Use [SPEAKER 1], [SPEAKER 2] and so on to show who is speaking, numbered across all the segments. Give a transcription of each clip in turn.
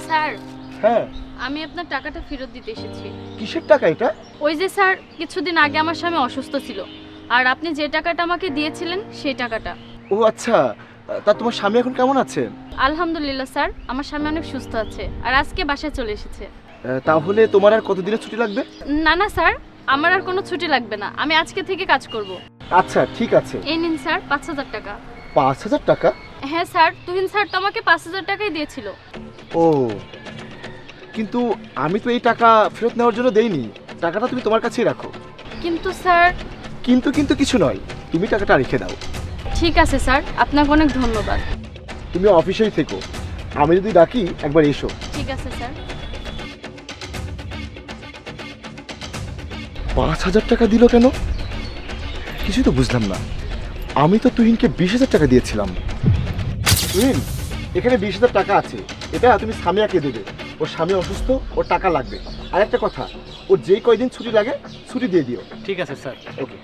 [SPEAKER 1] Sir,
[SPEAKER 2] হ্যাঁ,
[SPEAKER 1] আমি আপনার টাকাটা ফেরত দিতে এসেছি।
[SPEAKER 2] কিসের টাকা এটা?
[SPEAKER 1] ওই যে স্যার, কিছুদিন আগে আমার স্বামী অসুস্থ ছিল, আর আপনি যে টাকাটা আমাকে দিয়েছিলেন সেই টাকাটা।
[SPEAKER 2] ও আচ্ছা, তা তোমার স্বামী এখন কেমন আছে?
[SPEAKER 1] আলহামদুলিল্লাহ স্যার, আমার স্বামী অনেক সুস্থ আছে, আর আজকে বাসায় চলে এসেছে।
[SPEAKER 2] তাহলে তোমার আর কতদিনের ছুটি লাগবে?
[SPEAKER 1] না না স্যার, আমার আর কোনো ছুটি লাগবে না, আমি আজকে থেকে কাজ করব।
[SPEAKER 2] আচ্ছা ঠিক আছে।
[SPEAKER 1] এই নিন স্যার 5,000 টাকা।
[SPEAKER 2] 5,000 টাকা?
[SPEAKER 1] হ্যাঁ স্যার, তুহিন স্যার তো আমাকে 5,000 টাকাই দিয়েছিল।
[SPEAKER 2] ও, কিন্তু আমি তো এই টাকা ফেরত নেওয়ার জন্য দেইনি। টাকাটা তুমি তোমার কাছেই রাখো।
[SPEAKER 1] কিন্তু স্যার।
[SPEAKER 2] কিন্তু কিন্তু কিছু নয়, তুমি টাকাটা রেখে দাও।
[SPEAKER 1] ঠিক আছে স্যার, আপনাকে অনেক ধন্যবাদ।
[SPEAKER 2] তুমি অফিসেই থেকো, আমি যদি ডাকি একবার এসো।
[SPEAKER 1] ঠিক আছে স্যার।
[SPEAKER 2] 5,000 টাকা দিল কেন? কিছুই তো বুঝলাম না। আমি তো তুহিনকে 20,000 টাকা দিয়েছিলাম। তুহিন, এখানে 20,000 টাকা আছে, এটা তুমি সামিয়াকে দেবে। ওর স্বামী অসুস্থ, ওর টাকা লাগবে। আর একটা কথা, ওর যেই কয়দিন ছুটি লাগে ছুটি দিয়ে দিও।
[SPEAKER 3] ঠিক আছে স্যার।
[SPEAKER 2] ওকে।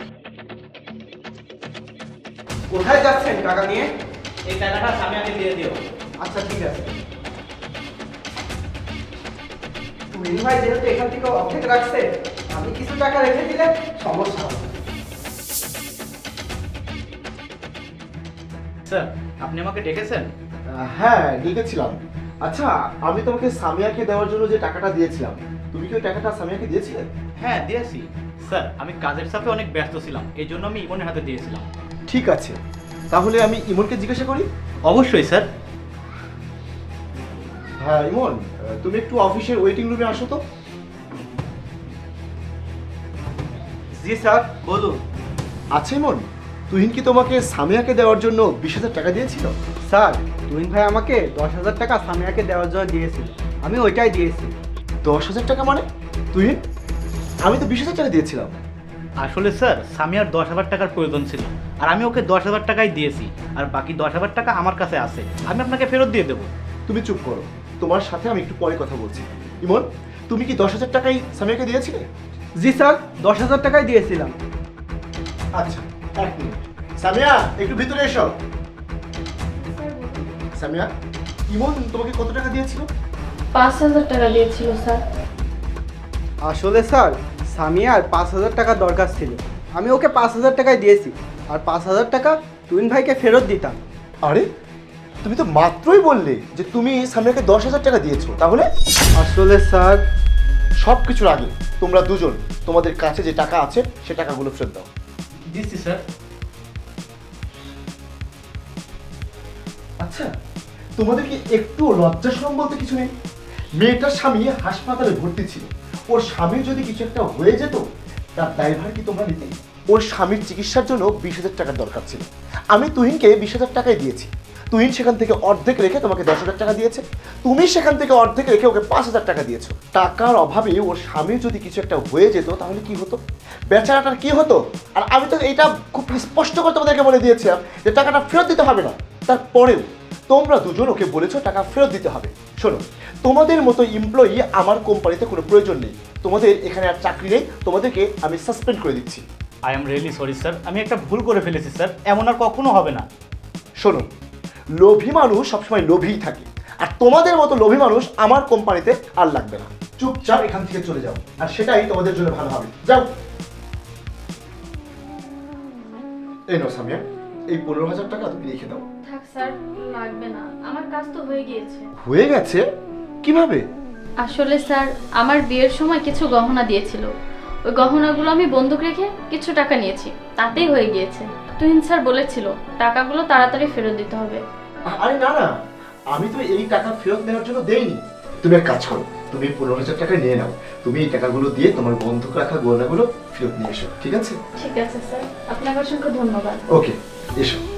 [SPEAKER 4] কোথায় যাচ্ছেন টাকা নিয়ে?
[SPEAKER 3] এই টাকাটা সামিয়াকে দিয়ে দিও।
[SPEAKER 4] আচ্ছা ঠিক আছে। তুহিন ভাই যেহেতু এখান থেকে অর্ধেক রাখছে, আমি কিছু টাকা রেখে দিলে সমস্যা হবে।
[SPEAKER 3] স্যার, আপনি আমাকে ডেকেছেন?
[SPEAKER 2] হ্যাঁ, লিখেছিলাম। আচ্ছা, আমি তোমাকে সামিয়াকে দেওয়ার জন্য যে টাকাটা দিয়েছিলাম, তুমি কি ওই টাকাটা সামিয়াকে দিয়েছিলে?
[SPEAKER 3] হ্যাঁ দিয়েছি। স্যার, আমি কাজের চাপে অনেক ব্যস্ত ছিলাম, এই জন্য আমি ইমনের হাতে দিয়েছিলাম।
[SPEAKER 2] ঠিক আছে, তাহলে আমি ইমনকে জিজ্ঞাসা করি।
[SPEAKER 3] অবশ্যই স্যার।
[SPEAKER 2] হ্যাঁ ইমন, তুমি একটু অফিসের ওয়েটিং রুমে আসো তো।
[SPEAKER 4] জি স্যার, বলুন।
[SPEAKER 2] আচ্ছা ইমন, তুহিন কি তোমাকে সামিয়াকে দেওয়ার জন্য 20,000 টাকা দিয়েছিল?
[SPEAKER 4] স্যার, তুহিন ভাই আমাকে 10,000 টাকা সামিয়াকে দেওয়ার জন্য দিয়েছিল, আমি ওইটাই দিয়েছি।
[SPEAKER 2] 10,000 টাকা মানে? তুহিন, আমি তো 20,000 টাকা দিয়েছিলাম।
[SPEAKER 3] আসলে স্যার, সামিয়ার 10,000 টাকার প্রয়োজন ছিল, আর আমি ওকে 10,000 টাকাই দিয়েছি, আর বাকি 10,000 টাকা আমার কাছে আছে, আমি আপনাকে ফেরত দিয়ে দেবো।
[SPEAKER 2] তুমি চুপ করো, তোমার সাথে আমি একটু পরে কথা বলছি। ইমন, তুমি কি 10,000 টাকাই সামিয়াকে দিয়েছিলে?
[SPEAKER 4] জি স্যার, 10,000 টাকাই দিয়েছিলাম।
[SPEAKER 2] আচ্ছা, এক মিনিট। সামিয়া, একটু ভিতরে এসো। সামিয়া, ইমন তোমাকে কত টাকা দিয়েছিল?
[SPEAKER 1] 5,000 টাকা দিয়েছিল স্যার।
[SPEAKER 4] আসলে স্যার, সামিয়ার 5,000 টাকা দরকার ছিল, আমি ওকে 5,000 টাকাই দিয়েছি, আর 5,000 টাকা তুহিন ভাইকে ফেরত দিতাম।
[SPEAKER 2] আরে, তুমি তো মাত্রই বললে যে তুমি সামিয়াকে 10,000 টাকা দিয়েছো। তাহলে
[SPEAKER 4] আসলে স্যার,
[SPEAKER 2] সব কিছুর আগে তোমরা দুজন তোমাদের কাছে যে টাকা আছে সে টাকাগুলো ফেরত দাও।
[SPEAKER 3] দিচ্ছি স্যার।
[SPEAKER 2] আচ্ছা, তোমাদের কি একটু লজ্জা শরম বলতে কিছু নেই? মেয়েটার স্বামী হাসপাতালে ভর্তি ছিল, ওর স্বামীর যদি কিছু একটা হয়ে যেত তার দায়ভার কি তোমরা নিতে? ওর স্বামীর চিকিৎসার জন্য 20,000 টাকার দরকার ছিল। আমি তুহিনকে 20,000 টাকাই দিয়েছি। তুহিন সেখান থেকে অর্ধেক রেখে তোমাকে 10,000 টাকা দিয়েছে। তুমি সেখান থেকে অর্ধেক রেখে ওকে 5,000 টাকা দিয়েছো। টাকার অভাবে ওর স্বামীর যদি কিছু একটা হয়ে যেত তাহলে কি হতো? বেচারাটার কি হতো? আর আমি তো এটা খুব স্পষ্ট করে তোমাদেরকে বলে দিয়েছিলাম যে টাকাটা ফেরত দিতে হবে না। তারপরেও তোমরা দুজন ওকে বলেছো টাকা ফেরত দিতে হবে। শোনো, তোমাদের মতো এমপ্লয়ি আমার কোম্পানিতে কোনো প্রয়োজন নেই। তোমাদের এখানে আর চাকরি নেই, তোমাদেরকে আমি সাসপেন্ড করে দিচ্ছি।
[SPEAKER 3] I am really sorry sir, আমি একটা ভুল করে ফেলেছি স্যার, এমন আর কখনো হবে না।
[SPEAKER 2] শোনো, লোভী মানুষ সবসময় লোভীই থাকে, আর তোমাদের মতো লোভী মানুষ আমার কোম্পানিতে আর লাগবে না। চুপচাপ এখান থেকে চলে যাও, আর সেটাই তোমাদের জন্য ভালো হবে। যাও। এই নাও সামিয়া, এই 15,000 টাকা তুমি রেখে দাও।
[SPEAKER 1] থাক স্যার, লাগবে না, আমার কাজ তো হয়ে গিয়েছে।
[SPEAKER 2] হয়ে গেছে? কিভাবে?
[SPEAKER 1] আসলে স্যার, আমার বিয়ের সময় কিছু গহনা দিয়েছিল, ওই গহনাগুলো আমি বন্ধক রেখে কিছু টাকা নিয়েছি, তাতেই হয়ে গিয়েছে। তুহিন স্যার বলেছিল টাকাগুলো তাড়াতাড়ি ফেরত দিতে হবে।
[SPEAKER 2] আরে না না, আমি তো এই টাকা ফেরত নেওয়ার জন্য দেইনি। তুমি এক কাজ করো, তুমি 15,000 টাকা নিয়ে নাও। তুমি এই টাকাগুলো দিয়ে তোমার বন্ধক রাখা গয়নাগুলো ফেরত নিয়ে এসো, ঠিক আছে?
[SPEAKER 1] ঠিক আছে স্যার, আপনাকে অসংখ্য ধন্যবাদ।
[SPEAKER 2] ওকে, এসো।